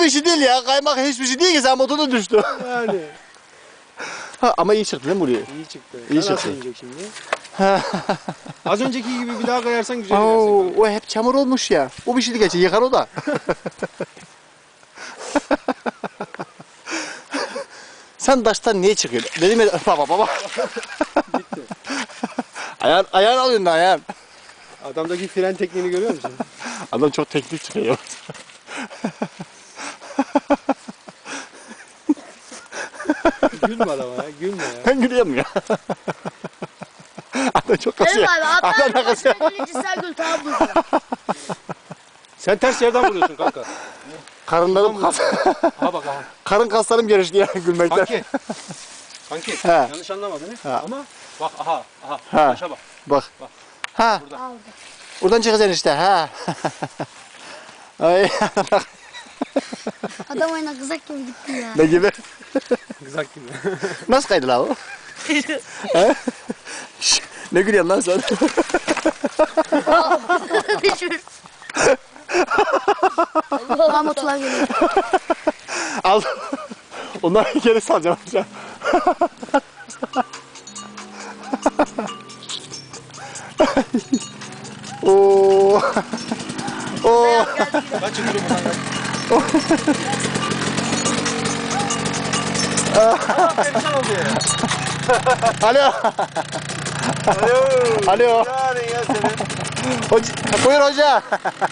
bir şey değil ya. Kaymak hiçbir şey değil ki, sen motorda düştü. Yani. Ha, ama iyi çıktı değil mi buraya? İyi çıktı. İyi Sen çıktı. nasıl inecek şimdi? Az önceki gibi bir daha kayarsan güzel Oo, inersin. o hep çamur olmuş ya. O bir şey değil, geçer, yıkar o da. Sen taştan niye çıkıyorsun? Dedim ya, baba. Ayağın alıyorsun da ayağın. Adamdaki fren tekniğini görüyor musun? Adam çok teknik çıkıyor. Gülme adama ya, gülme ya. Ben gülüyorum ya. Adam çok kasıyor. Benim abi Adam da atlar kasıyor. başına gelince sen gül tamam mı? Sen ters yerden vuruyorsun kanka. Karınlarım kas. Ha bak ha. Karın kaslarım gelişti ya gülmekten. Kanki. Kanki. He. Yanlış anlamadın he? Ha. Ama bak aha. Ha. Taşa bak. Bak. Bak. Ha. Burada. Aldı. Oradan çıkacaksın işte. Ha. Ay. Adam oyuna kızak gibi gitti ya. Ne gibi? Kızak gibi. Nasıl kaydı la o? He? Şş, ne gülüyorsun lan sen? Düşür. Mahmutlar geliyor. Al. Onları geri salacağım hocam. Oo. Oo. Kaç yıldır buradan kaç. Perişan oldu ya. Alo. Alo. Yani ya senin. Hoca, buyur hoca.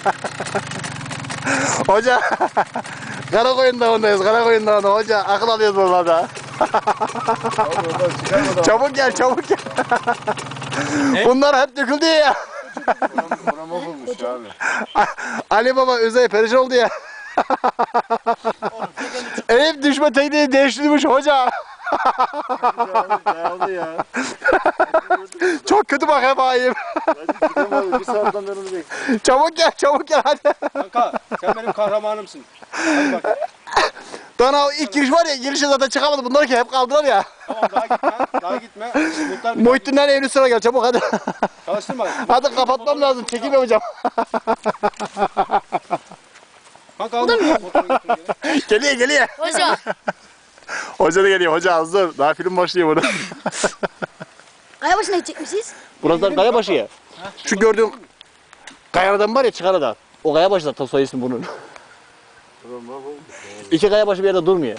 Hoca. Karakoyun Dağı'ndayız. Karakoyun Dağı'nda hoca. Akıl alıyoruz oralarda. Çabuk gel, çabuk gel. Bunlar hep döküldü ya. Buna mahvolmuş abi. Ali Baba Özay perişan oldu ya. Hep düşme tekniği değiştirmiş hoca. Yağlı ya. Çok kötü bak hep ayıp. Ben çıkamadım. Bir saatten beri onu bekliyorum. Çabuk gel hadi. Kanka sen benim kahramanımsın. Hadi bak. Daha o ilk giriş var ya, girişe zaten çıkamadı. Bunlar ki hep kaldılar ya. Tamam daha gitme. Daha gitme. Muhtar bir Muhittin'den evli sıra gel çabuk hadi. çalıştırma. Hadi kapatmam lazım. Çekim yapacağım. Kanka al motoru götür geri. Geliyor. Hoca. Hoca da geliyor. Hoca hazır. Daha film başlıyor burada. Aya başına gidecek misiniz? Burası kaya başı ya. Şu gördüğün kaya adam var ya, çıkar adam. O kaya başı da soy ismi bunun. Ulan mahvolmuş. İki kaya başı bir yerde durmuyor.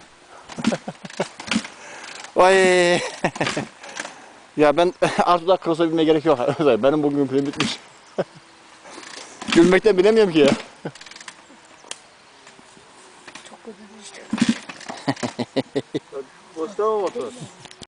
Vay. Ya ben artık daha cross'a binmeye gerek yok. Benim bugün film bitmiş. Gülmekten bilemiyorum ki ya. Çok kötü düştü. Boşta mı motor?